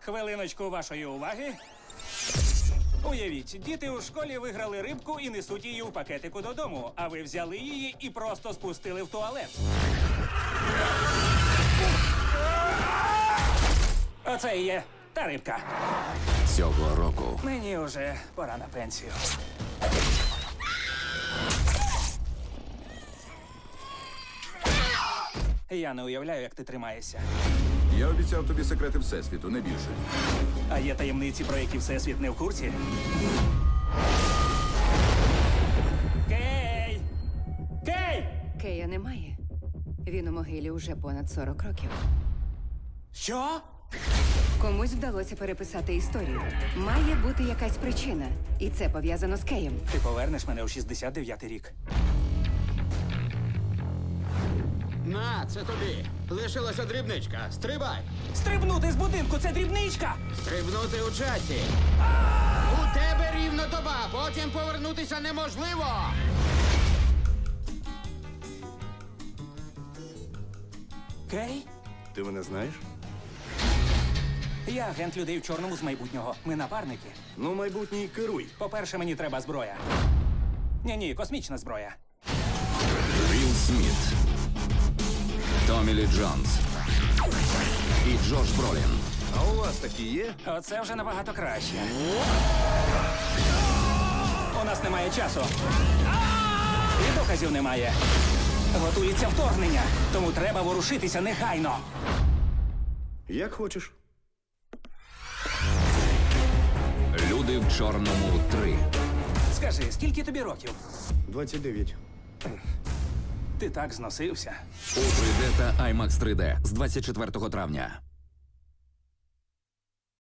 Хвилиночку вашої уваги. Уявіть, діти у школі виграли рибку і несуть її у пакетику додому, а ви взяли її і просто спустили в туалет. Оце і є та рибка. Цього року Мені вже пора на пенсію. Я не уявляю, як ти тримаєшся. Я обіцяв тобі секрети Всесвіту, не більше. А є таємниці, про які Всесвіт не в курсі? Кей! Кей! Кея немає. Він у могилі уже понад 40 років. Що? Комусь вдалося переписати історію. Має бути якась причина. І це пов'язано з Кеєм. Ти повернеш мене у 69-й рік. На, це тобі. Лишилася дрібничка. Стрибай. Стрибнути з будинку — це дрібничка! Стрибнути у часі. У тебе рівно доба, потім повернутися неможливо. Кей? Ти мене знаєш? Я агент людей в чорному з майбутнього. Ми напарники. Ну, майбутній, керуй. По-перше, мені треба зброя. Ні, космічна зброя. Вілл Сміт, Томі Лі Джонс і Джош Бролін. А у вас такі є? Оце вже набагато краще. У нас немає часу. І доказів немає. Готується вторгнення, тому треба ворушитися негайно. Як хочеш. Люди в чорному 3. Скажи, скільки тобі років? 29. Ти так зносився. У 3D та IMAX 3D з 24 травня.